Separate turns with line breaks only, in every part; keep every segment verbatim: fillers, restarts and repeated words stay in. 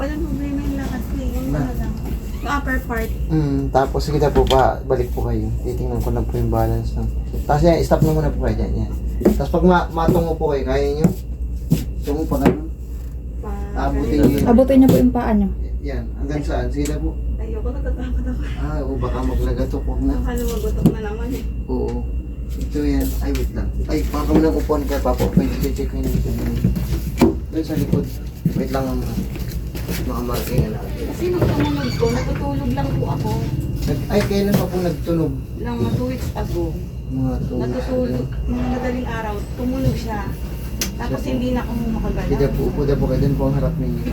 Walang problema yung lakas ko eh. Yung
Na-
ano lang. Yung upper part.
Hmm, tapos sige na po pa, balik po kayo. Titingnan ko lang po yung balance ng... Tapos yan, stop na muna po kayo dyan. Yan. Tapos pag ma matungo po kayo, kaya nyo? Tungo pa kayo.
Pa,
Abutin
ganun.
niyo.
Abutin niyo po yung paa niyo.
Yan, hanggang saan? Sige na po.
Ayoko, natatakot ako.
Ah, o baka maglagatok, huwag na.
Baka lumagotok na naman eh.
Oo. Ito yan. Ay, wait lang. Ay, baka mo nang upuan ka, Papa. Pwede check ko yun dito. Doon sa likod. Wait lang ang mga marking na natin.
Kasi nung tumunog ko, natutulog lang po ako.
Nag- Ay, kailan pa po nagtunog?
Lang mga two weeks ago.
Mga two weeks
Natutulog.
ago.
Mga madaling araw, tumunog siya. Tapos
Siya po.
hindi na ako makagalaw.
Sige po, upo na po kayo. Doon po ang harap ninyo.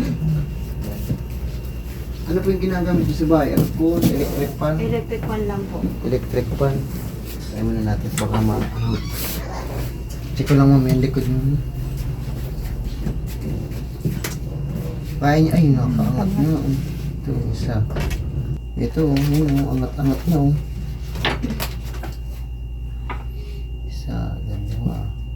Ano po yung ginagamit niyo sa bahay? Aircon, electric fan?
Electric fan lang po.
Electric fan. Kaya muna natin baka ma... Check ko lang mami yung likod mo. Kaya niya, ay nakaangat na. Oh. Ito, isa. Ito, oh, yun, oh, angat-angat na. Oh. Isa, dalawa.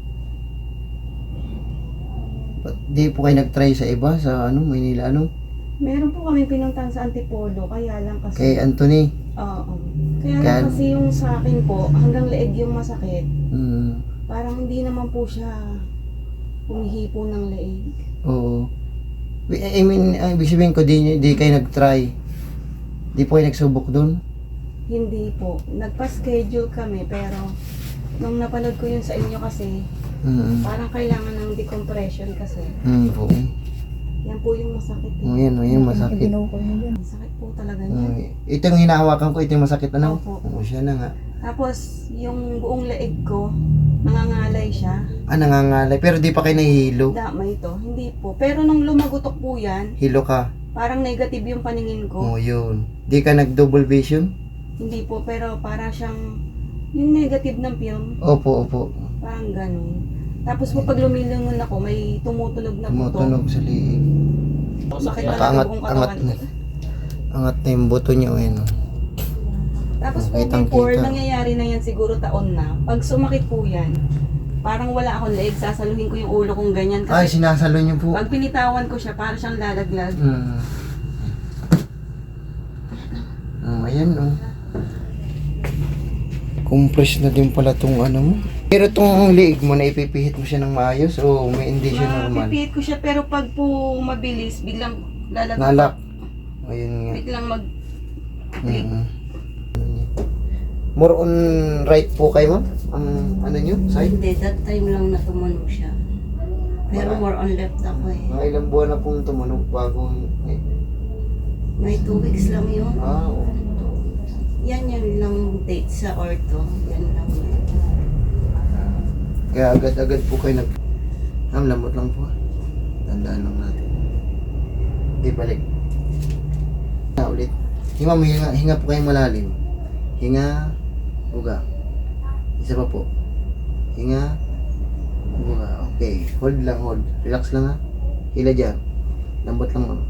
Ba't di po kayo nag-try sa iba? Sa ano, Maynila, ano?
Meron po kami pinuntahan sa Antipolo, kaya lang kasi...
Kay Anthony.
Oo. Kaya
Kaya-
lang kasi yung sa akin po, hanggang leeg yung masakit.
Hmm.
Parang hindi naman po siya humihipo ng leeg.
Oo. I mean, ang ibig sabihin ko, di, di kayo nag-try. Di po kayo nagsubok doon?
Hindi po. Nagpa-schedule kami pero nung napanood ko yun sa inyo kasi,
Mm.
parang kailangan ng decompression kasi.
Mm po.
Yan po yung masakit. Eh.
Oh, yan, oh, yan masakit.
Binukol niyo dyan.
Masakit po talaga
Oh,
niya.
ito yung hinahawakan ko, ito yung masakit na
Opo.
Oo, siya na nga.
Tapos yung buong leeg ko, nangangalay siya.
Ah, nangangalay. Pero di pa kayo nahihilo.
Damay ito. Hindi po. Pero nung lumagutok po yan,
Hilo ka.
parang negative yung paningin ko.
Oo, yun. Di ka nag-double vision?
Hindi po. Pero para siyang yung negative ng film.
Opo, opo.
Parang ganun. Tapos po pag lumilingon ako, may tumutunog na buto.
Tumutunog sa liig.
Sakit talaga
Nakaangat,
buong
angat
katawan
na.
ko.
Angat na yung buto niya, oh, yan. oh.
Tapos po
Kitang
before,
kita.
nangyayari na yan siguro taon na. Pag sumakit po yan, parang wala akong leeg, sasaluhin ko yung ulo kong ganyan.
Ay,
Kasi
sinasalo niyo po.
pag pinitawan ko siya, parang siyang lalaglag.
Hmm. Oh, ayan, oh. Compress na din pala tong ano mo. Pero tong liig mo, na ipipihit mo siya ng maayos o may hindi siya normal?
Mapipihit ko siya, pero pag po mabilis, biglang lalaglag.
Nalak. Ayun nga.
Biglang mag...
Mm. More on right po kayo, ma'am? Ang ano nyo? Side?
Hindi, that time lang na tumunog siya. Pero
Wala.
more on left ako eh.
Mga ilang buwan na pong tumunog bago... Eh.
May two weeks lang yun.
Ah, oo.
Yan yan lang date sa ortho. Yan lang yan.
Kaya agad-agad po kayo nag... Ang lamot lang po. Tandaan lang natin. Okay, balik. Na ulit. Hinga, hinga, hinga po kayong malalim. Hinga, buga. Isa pa po. Hinga, buga. Okay, hold lang, hold. Relax lang ha. Hila dyan. Lambot lang ma'am.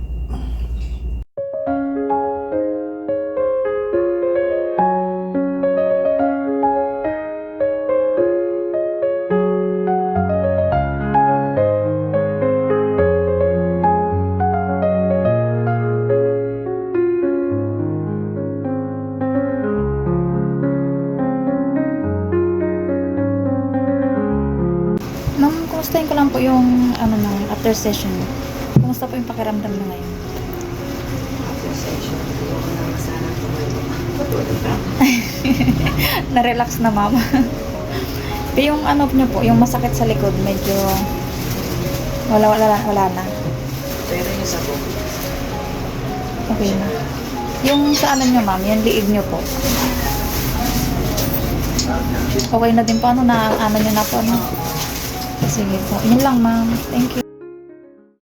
Ma'am, kumustahin ko lang po yung ano na, after session. Kumusta po yung pakiramdam na ngayon?
After session, hindi ako lang sana tumayo.
Na-relax na, ma'am. Pero yung ano nyo po, yung masakit sa likod, medyo wala, wala, wala na.
Pero yung sa buong,
Okay na. Yung sa ano nyo, ma'am, yung liig nyo po. Okay na din po, ano na, ano nyo na po, ano. Sige po. Yun lang, ma'am. Thank you.